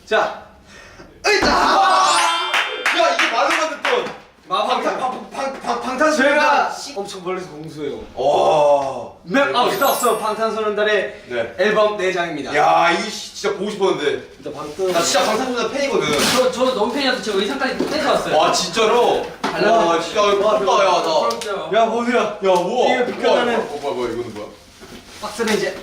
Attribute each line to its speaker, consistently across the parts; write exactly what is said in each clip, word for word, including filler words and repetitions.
Speaker 1: 자, 으이자.
Speaker 2: 야 이게 말로 만든
Speaker 1: 방탄 방탄 방탄소년단 엄청 멀리서 공수해요.
Speaker 2: 와.
Speaker 1: 맵 아웃 없어 방탄소년단의
Speaker 2: 네.
Speaker 1: 앨범 네 장입니다.
Speaker 2: 야 이거 진짜 보고 싶었는데.
Speaker 1: 일단 방탄.
Speaker 2: 나 진짜 방탄소년단 팬이거든.
Speaker 3: 저, 저 너무 팬이어서 저 의상까지 떼서 왔어요.
Speaker 2: 와 진짜로. 와 진짜 와 야 나.
Speaker 3: 부럽죠?
Speaker 1: 야 보세요.
Speaker 2: 야 우와.
Speaker 1: 이게 비켜가는-
Speaker 2: 어 뭐야 뭐야 이거는 뭐야?
Speaker 1: 박스는 이제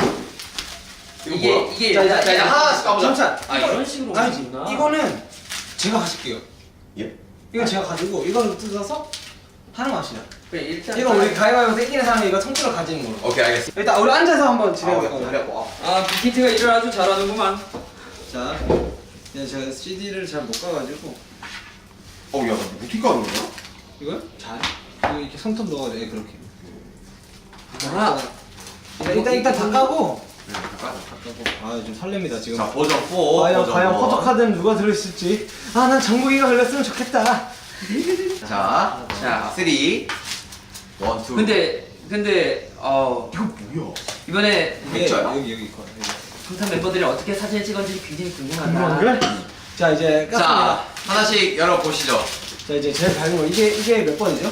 Speaker 2: 이거
Speaker 3: 이게
Speaker 2: 뭐야?
Speaker 3: 이게
Speaker 1: 자,
Speaker 3: 일단-
Speaker 1: 자,
Speaker 2: 자, 이제 하나씩 가보자.
Speaker 1: 잠시만.
Speaker 3: 아 이런 식으로
Speaker 1: 아니지.
Speaker 3: 있나?
Speaker 1: 이거는 제가 가질게요.
Speaker 2: 예?
Speaker 1: 이건 제가 가지고 이건 뜯어서 하는 맛이야.
Speaker 3: 그래 일단
Speaker 1: 이거 우리 가위바위보 땡기는 사람이 이거 통째로 가지는 걸로.
Speaker 2: 오케이 알겠어.
Speaker 1: 일단 우리 앉아서 한번
Speaker 2: 아
Speaker 1: 진행해
Speaker 2: 우리
Speaker 1: 볼까요?
Speaker 2: 잘해고.
Speaker 3: 아 빅히트가 일을 아주 잘하는구만.
Speaker 1: 자, 그냥 제가 씨디를 잘 못 가가지고
Speaker 2: 어야 나 어떻게 가는 거야?
Speaker 1: 이걸 잘 이거 이렇게 손톱 넣어야 돼 그렇게.
Speaker 3: 아,
Speaker 1: 일단 일단, 일단 다 까고
Speaker 2: 네 잠깐.
Speaker 1: 아 좀 설렙니다 지금.
Speaker 2: 자 버전 사.
Speaker 1: 과연
Speaker 2: 버전
Speaker 1: 과연
Speaker 2: 일.
Speaker 1: 포토카드는 누가 들어있을지. 아 난 정국이가 걸렸으면 좋겠다.
Speaker 2: 자,
Speaker 3: 자.
Speaker 2: 자, 쓰리, 원, 투.
Speaker 3: 근데 근데 어
Speaker 2: 이거 뭐야?
Speaker 3: 이번에
Speaker 1: 이게
Speaker 2: 맥주야?
Speaker 1: 여기 여기 있고.
Speaker 3: 방탄 멤버들이 어떻게 사진을 찍었는지 굉장히 궁금하다.
Speaker 1: 아, 그래? 자 이제 깠습니다.
Speaker 2: 자, 하나씩 열어 보시죠.
Speaker 1: 자 이제 제일 밝은 거 이게 이게 몇 번이죠?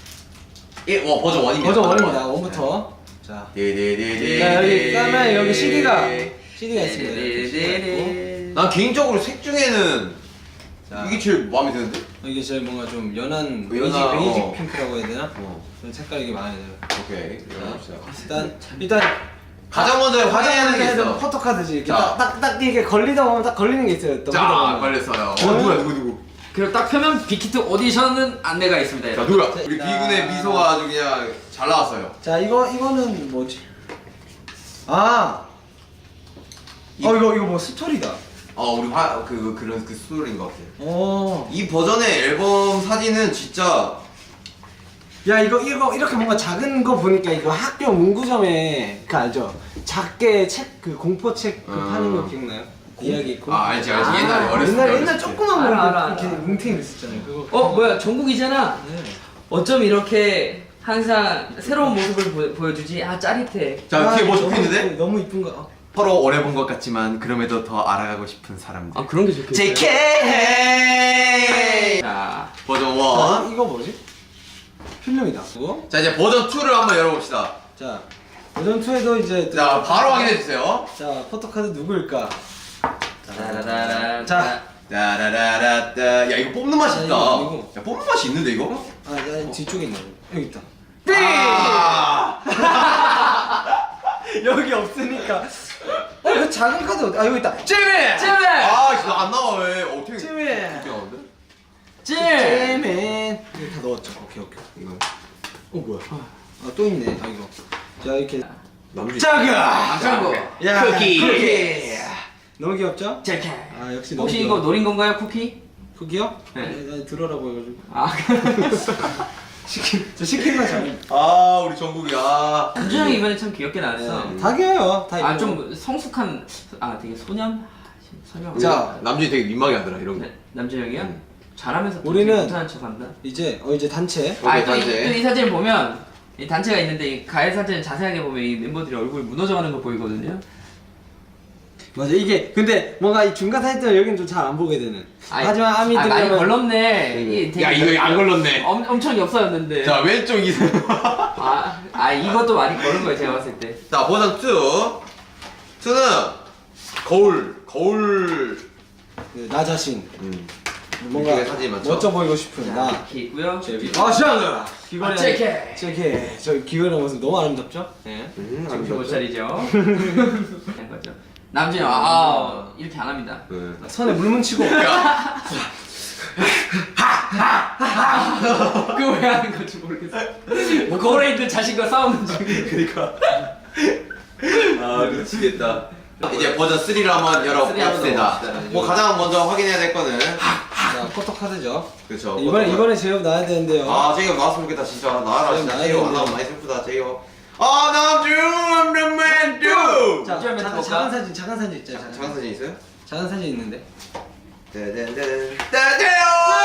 Speaker 2: 일, 와 버전 원입니다.
Speaker 1: 버전 원입니다. 원부터. 자.
Speaker 2: 네네네네.
Speaker 1: 자 여기 까면 여기 씨디가 씨디가 있습니다.
Speaker 3: 네네네.
Speaker 2: 난 개인적으로 색 중에는
Speaker 1: 자.
Speaker 2: 이게 제일 마음에 드는데?
Speaker 1: 이게 제일 뭔가 좀 연한
Speaker 2: 연한,
Speaker 1: 베이직 베이직
Speaker 2: 어.
Speaker 1: 핑크라고 해야 되나?
Speaker 2: 어.
Speaker 1: 그런 색깔 이게 마음에 들어요.
Speaker 2: 오케이. 열어봅시다.
Speaker 1: 일단 일단
Speaker 2: 가장 먼저 확인해야 되는 게
Speaker 1: 해야
Speaker 2: 있어.
Speaker 1: 포토카드지. 이렇게
Speaker 2: 자.
Speaker 1: 딱딱 이렇게 걸리다 보면 딱 걸리는 게 있어요. 또
Speaker 2: 자,
Speaker 1: 보다 보면.
Speaker 2: 걸렸어요. 어,
Speaker 1: 저는-
Speaker 2: 누구야, 누구, 누구?
Speaker 3: 그리고 딱 펴면 빅히트 오디션은 안내가 있습니다.
Speaker 2: 자,
Speaker 3: 여러분.
Speaker 2: 누구야?
Speaker 1: 자,
Speaker 2: 우리
Speaker 1: 자.
Speaker 2: 비군의 미소가 아주 그냥 잘 나왔어요.
Speaker 1: 자 이거 이거는 뭐지? 아. 어 이거 이거 뭐 스토리다.
Speaker 2: 어, 우리 화, 그, 그런 그 스토리인 것 같아.
Speaker 1: 어.
Speaker 2: 이 버전의 앨범 사진은 진짜
Speaker 1: 야 이거 이거 이렇게 뭔가 작은 거 보니까 이거 학교 문구점에 그 알죠? 작게 책 그 공포 책 그
Speaker 2: 음.
Speaker 1: 파는 거 기억나요? 이야기 공포.
Speaker 2: 아 알지 알지
Speaker 3: 아,
Speaker 2: 옛날에 어렸을 때
Speaker 1: 옛날
Speaker 2: 어렸을
Speaker 1: 옛날
Speaker 2: 때.
Speaker 1: 조그만 거
Speaker 3: 알아, 알아,
Speaker 1: 이렇게
Speaker 3: 알아.
Speaker 1: 뭉탱이 있었잖아요. 그거.
Speaker 3: 어 뭐야 정국이잖아.
Speaker 1: 네.
Speaker 3: 어쩜 이렇게 항상 새로운 모습을 보, 보여주지? 아 짜릿해.
Speaker 2: 자 뒤에 뭐
Speaker 1: 너무
Speaker 2: 적혀있는데?
Speaker 1: 이쁘- 너무 이쁜 거. 어.
Speaker 2: 서로 오래 본 것 같지만 그럼에도 더 알아가고 싶은 사람들.
Speaker 3: 아 그런 게 좋겠어요.
Speaker 2: 제이케이
Speaker 3: 자
Speaker 2: 버전
Speaker 1: 자,
Speaker 2: 원.
Speaker 1: 이거 뭐지? 필름이다. 그거.
Speaker 2: 자 이제 버전 투를 한번 열어봅시다.
Speaker 1: 자 버전 투에도 이제
Speaker 2: 자 바로 확인해 주세요.
Speaker 1: 자 포토카드 누구일까?
Speaker 3: 따라라라.
Speaker 1: 자.
Speaker 2: 따라라라따. 야 이거 뽑는 맛이
Speaker 1: 아,
Speaker 2: 있다.
Speaker 1: 이거 아니고.
Speaker 2: 야 뽑는 맛이 있는데 이거?
Speaker 1: 아, 야, 뒤쪽에 있네. 여기 있다.
Speaker 2: 아.
Speaker 1: 여기 없으니까. 어, 왜 작은 카드 어디? 아, 여기 있다. 찌미!
Speaker 3: 찌맨!
Speaker 2: 아 이거 안 나와 왜? 어떻게?
Speaker 1: 찌미!
Speaker 2: 어떻게 나오는데?
Speaker 3: 찌!
Speaker 1: 찌맨. 이거 다 넣었죠. 오케이, 오케이.
Speaker 2: 이거
Speaker 1: 어, 뭐야? 아, 또 있네. 아, 이거. 자, 이렇게.
Speaker 2: 남주.
Speaker 1: 짜가!
Speaker 3: 장고.
Speaker 1: 야,
Speaker 3: 쿠키.
Speaker 1: 쿠키. 너무 귀엽죠?
Speaker 3: 제케.
Speaker 1: 아, 역시 너무
Speaker 3: 혹시
Speaker 1: 귀여워.
Speaker 3: 이거 노린 건가요 쿠키?
Speaker 1: 쿠키요?
Speaker 3: 네.
Speaker 1: 네. 나 들어라고 해가지고.
Speaker 3: 아
Speaker 1: 시킨, 저 시킨 거 잘.
Speaker 2: 아 우리 정국이야.
Speaker 3: 남준 형이 이번에 참 귀엽게 나왔어.
Speaker 1: 네. 다 귀여워요. 다
Speaker 3: 아
Speaker 1: 이뻐.
Speaker 3: 좀 성숙한 아 되게 소년 아, 설명.
Speaker 1: 자.
Speaker 2: 남준이 되게 민망해 하더라 이런 거.
Speaker 3: 네, 남준 형이요?
Speaker 2: 음.
Speaker 3: 잘하면서 또
Speaker 1: 우리는-
Speaker 3: 되게 못하는 척한다.
Speaker 1: 이제, 어, 이제 단체.
Speaker 2: 오케이,
Speaker 3: 아또이
Speaker 2: 단체.
Speaker 3: 이 사진 보면 이 단체가 있는데 이 가해 사진 자세하게 보면 이 멤버들이 얼굴 무너져가는 거 보이거든요.
Speaker 1: 맞아, 이게. 근데 뭔가 이 중간 사진 때문에 여기는 좀 잘 안 보게 되는.
Speaker 3: 아이,
Speaker 1: 하지만 아미
Speaker 3: 아, 많이
Speaker 1: 들으면.
Speaker 3: 걸렀네. 이게 되게
Speaker 2: 야 이거 안 걸렸네.
Speaker 3: 엄, 엄청 엽서였는데.
Speaker 2: 자 왼쪽 이.
Speaker 3: 아, 아 이것도 많이 걸은 거예요 제가 봤을 때.
Speaker 2: 자 버전 투. 투는 거울 거울.
Speaker 1: 그, 나 자신.
Speaker 2: 음.
Speaker 1: 뭔가
Speaker 2: 이쪽에 사진이 많죠?
Speaker 1: 멋져 보이고 싶은 나.
Speaker 3: 이렇게 있고요.
Speaker 1: 아 시원하다. 기관의
Speaker 3: 아, 제케.
Speaker 1: 제케. 저 기관의 모습 너무 아름답죠? 네.
Speaker 2: 음,
Speaker 3: 정신 못
Speaker 2: 아름답죠?
Speaker 3: 차리죠. 그런 거죠. 남준이 아, 아 이렇게 안 합니다.
Speaker 2: 네.
Speaker 1: 손에 물 묻히고.
Speaker 3: 그거 왜 하는 건지 모르겠어. 뭐 거울에 있는 자신과 싸우는 중.
Speaker 2: 그러니까. 아 미치겠다. 이제 버전 쓰리를 한번
Speaker 3: 쓰리 한번
Speaker 2: 열어봅시다.
Speaker 3: 넣어봅시다.
Speaker 2: 뭐 가장 먼저 확인해야 될 거는
Speaker 1: 자 포토카드죠.
Speaker 2: 그렇죠.
Speaker 1: 이번에 이번에 제협 나야 되는데요.
Speaker 2: 아 제이홉 나왔으면 좋겠다 진짜 나와라
Speaker 1: 제이홉
Speaker 2: 진짜
Speaker 1: 나와야
Speaker 2: 제이홉 안
Speaker 1: 되는데.
Speaker 2: 나오면 많이 슬프다 제이홉. 아 남주 I'm the man do.
Speaker 1: 자
Speaker 3: 좀
Speaker 1: 작은,
Speaker 3: 해볼까?
Speaker 1: 작은 사진 작은 사진 있죠.
Speaker 2: 자, 작은 사진 있어요?
Speaker 1: 작은 사진 있는데.
Speaker 2: 떼댄댄 떼떼요.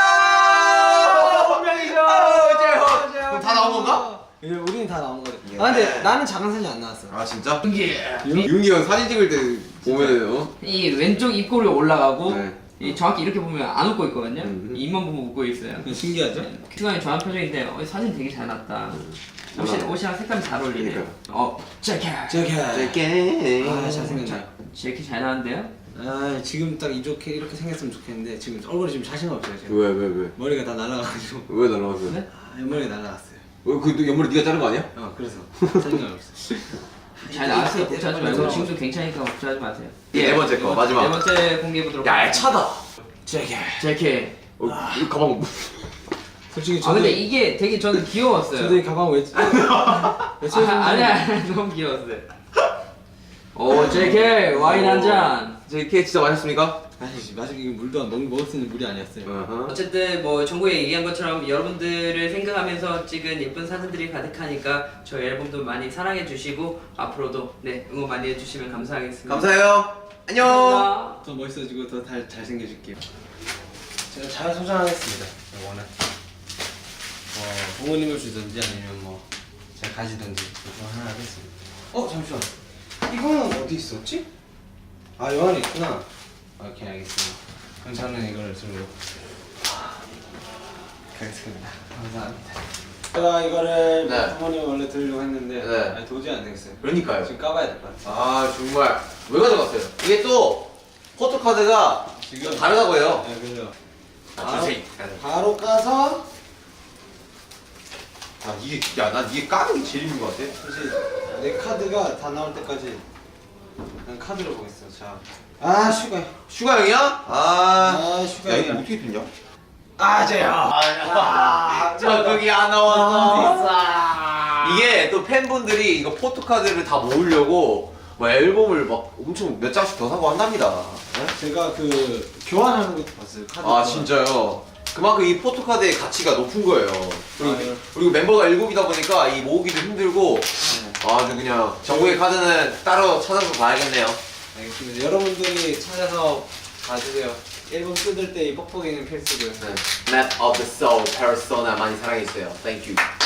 Speaker 1: 본명이죠.
Speaker 2: 제이홉. 그럼 다 나온 건가?
Speaker 1: 예, 우리는 다 나온 거래.
Speaker 2: 예.
Speaker 1: 아 근데 나는 작은 사진 안 나왔어.
Speaker 2: 아 진짜?
Speaker 3: 예.
Speaker 2: 윤기 형 사진 찍을 때 보면 어?
Speaker 3: 이 왼쪽 입꼬리 올라가고
Speaker 2: 네.
Speaker 3: 이 정확히 이렇게 보면 안 웃고 있거든요.
Speaker 2: 음.
Speaker 3: 입만 보면 웃고 있어요.
Speaker 1: 신기하죠?
Speaker 3: 승환이 좋아하는 표정인데 어, 사진 되게 잘 났다. 옷이,
Speaker 2: 음.
Speaker 3: 옷이랑 색감이 잘 어울리네요.
Speaker 2: 그러니까요.
Speaker 3: 어, 재킷.
Speaker 1: 제게.
Speaker 2: 짧게.
Speaker 1: 아 잘생겼네.
Speaker 3: 재킷 잘 나왔는데요?
Speaker 1: 아 지금 딱 이렇게 이렇게 생겼으면 좋겠는데 지금 얼굴이 지금 자신감 없어요 지금.
Speaker 2: 왜 왜 왜?
Speaker 1: 머리가 다 날라가지고.
Speaker 2: 왜 날라갔어요?
Speaker 3: 네?
Speaker 1: 아, 옆머리가 날라갔어요.
Speaker 2: 왜 그 옆머리 네가 자른 거 아니야?
Speaker 1: 어 그래서 자신감이 없어.
Speaker 3: 잘 나왔어요.
Speaker 1: 이때
Speaker 3: 걱정하지
Speaker 1: 빨리
Speaker 3: 말고
Speaker 1: 돌아와.
Speaker 3: 지금도 괜찮으니까 걱정하지 마세요.
Speaker 2: 네 번째 거,
Speaker 3: 네 번-
Speaker 2: 마지막.
Speaker 3: 네 번째 공개해 보도록
Speaker 2: 야 차다.
Speaker 1: 제게.
Speaker 3: 재킷.
Speaker 2: 어, 이 가방.
Speaker 1: 솔직히
Speaker 3: 아
Speaker 1: 저도
Speaker 3: 근데 이게 되게 저는 귀여웠어요.
Speaker 1: 저도 이 가방 왜?
Speaker 3: 아, 아니야 너무 귀여웠어요. 오 재킷 와인 한 잔.
Speaker 2: 제 케이크 진짜 맛있습니까?
Speaker 1: 아니지 마시 이게 물도 안 먹, 먹을 수 있는 물이 아니었어요.
Speaker 2: 어허.
Speaker 3: 어쨌든 뭐 정국이 얘기한 것처럼 여러분들을 생각하면서 찍은 예쁜 사진들이 가득하니까 저희 앨범도 많이 사랑해 주시고 앞으로도 네 응원 많이 해주시면 감사하겠습니다.
Speaker 2: 감사해요. 안녕.
Speaker 3: 감사합니다.
Speaker 1: 더 멋있어지고 더 잘 잘생겨질게요. 제가 잘 소장하겠습니다. 이거는 어, 부모님을 주든지 아니면 뭐 제가 가지든지 그중 하나 하겠습니다. 어 잠시만. 이거는 어디 있었지? 아 요 안에 있구나. 오케이 알겠습니다. 그럼 저는 이걸 들고 가겠습니다. 감사합니다. 제가 이거를
Speaker 2: 네.
Speaker 1: 부모님 원래 들으려고 했는데
Speaker 2: 네.
Speaker 1: 아니, 도저히 안 되겠어요.
Speaker 2: 그러니까요.
Speaker 1: 지금 까봐야 될 것 같아요.
Speaker 2: 아 정말 왜 가져갔어요? 이게 또 포토카드가
Speaker 1: 지금-
Speaker 2: 좀 다르다고 해요.
Speaker 1: 네 그래요.
Speaker 2: 아,
Speaker 1: 바로,
Speaker 2: 주세요.
Speaker 1: 바로 까서
Speaker 2: 아 이게 야난 이게 까는 게 제일 힘든 것 같아.
Speaker 1: 사실 내 카드가 다 나올 때까지 난 카드를 보겠어. 자, 아 슈가,
Speaker 2: 슈가 형이야? 아,
Speaker 1: 아 슈가.
Speaker 2: 야 이거 어떻게 됐냐?
Speaker 1: 아 저요.
Speaker 2: 아, 적응이 안 나왔어. 이게 또 팬분들이 이거 포토카드를 다 모으려고 뭐 앨범을 막 엄청 몇 장씩 더 사고 한답니다. 네?
Speaker 1: 제가 그 교환하는 것도 봤어요. 카드.
Speaker 2: 아
Speaker 1: 교환.
Speaker 2: 진짜요? 그만큼 이 포토카드의 가치가 높은 거예요. 그리고,
Speaker 1: 아, 네.
Speaker 2: 그리고 멤버가 일곱이다 보니까 이 모으기도 힘들고 아주 그냥 정국의 카드는 따로 찾아서 봐야겠네요.
Speaker 1: 알겠습니다. 여러분들이 찾아서 봐주세요. 앨범 뜯을 때 이 뻑뻑이는 필수고요.
Speaker 2: 네. Map of the Soul, Persona 많이 사랑해주세요. Thank you.